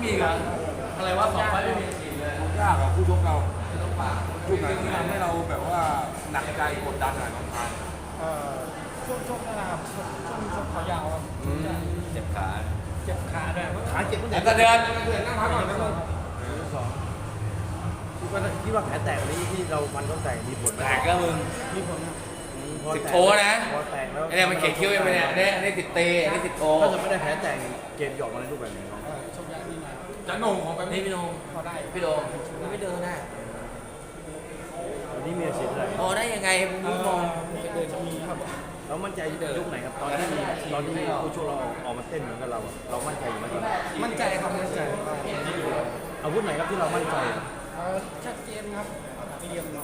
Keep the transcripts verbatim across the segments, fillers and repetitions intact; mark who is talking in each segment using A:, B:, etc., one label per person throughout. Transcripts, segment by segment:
A: ฉีกอ่ะอะไรวะสองไฟไม่มีฉีกเลย
B: ยากอะคู่ชกเรา
A: ต้องปาก
B: คู่ไหนที่ทำให้เราแบบว่าหนักใจกดดันหน่อยน้องชาย
C: เอ่อช่วงช่วงนะครับช่วงช่วงช่วงเขายาวครับ
A: เจ็บขา
C: เจ็บขาด้วย
B: ขาเจ็บตั้งแต่
A: แล้วก็เดิน
B: เดินนั่งพักก่อนนะลูก
D: สองคิดว่าคิดว่าแผลแตกนี้ที่เราฟันเขาแตกมีผลไหม
A: แตกก็มึง
C: มีผลครับ
D: พอ
A: สิบ
D: แตก
A: โทนะ
D: พอแตกแล้ว
A: ไอ้เนี่ยมันเขียนคิ้วยังไงเนี่ยเนี่ยอันนี้ติดเตอันนี้ติดโอ
D: ถ้าจะไม่ได้แผลแตกเกมหยอกมาในรูปแบบไหนน้อง
C: เอ่อชกยากนิดหน่อย
B: จะโหนงของแบบ
A: นี่
B: นี้
A: พี่โดม
C: พอได้
A: พี่โดมมันไม่เดินนะ
D: วันนี้มีอาชีพอะไร
A: พอได้ยังไงมึง
C: เอ่
A: มอง
C: อเดินจะมีครับ
D: เรามั่นใจยุคไหนครับตอนที่ตอนที่ผู้ชกเราออกมาเต้นเหมือนกับเราอะเรามั่นใจอยู่ไหมตอนนั้น
C: มั่นใจครับมั่นใจว่า
D: อาวุธไหนครับที่เรามั่นใจ
C: เอ่อชัดเจนครับเรียบร้อย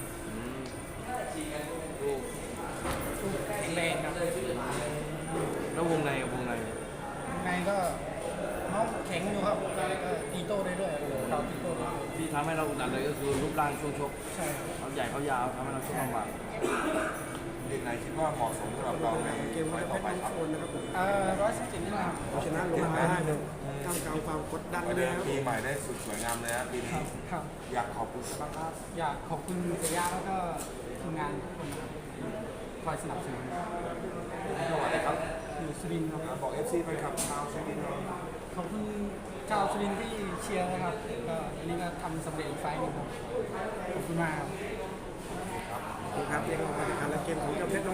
C: แข็งแรงครับ
D: แล้ววงในกับวงใน
C: ในก็น้องแข็งอยู่ครับก็ตีโต้ได้ด้วยเราตีโต้ได้ด้วย
D: ที่ทำให้เราอุดอัดเลยก็คือรูปร่างช่วงชก
C: ใช่ครับ
D: เขาใหญ่เขายาวทำให้เราชกลำบาก
B: เด็กไหนคิดว่าเหมาะสมสำหรับเราในเกมต่อไปครับ
C: เอ่อร้อยสิบเจ็ดนี่นะครับ
E: ชนะลงมาได้เลยท่ามกลางความกดดัน
B: ประ
E: เล
B: เดิ
E: ย
B: ม
E: ครับ
B: ปีใหม่ได้สุดสวยงามเลยนะปีนี้
C: ครับ
B: อยากขอบคุณบ้างครับ
C: อยากขอบคุณเสียยาแล้วก็ทีมงานทุกคนนะครับคอยสนับสนุน
B: จังหวัดไหนครับ
C: อยู่สุรินทร์ครับ
B: บอก เอฟ ซี ไปครับชาวสุรินทร์เรา
C: ขอบคุณชาวสุรินทร์ที่เชียร์นะครับก็อันนี้ก็ทำสำเร็จอีกไฟล์หนึงครับขอบคุณมากครับ
E: ครับเรียกว่าการละเกมของเจ้าเพชร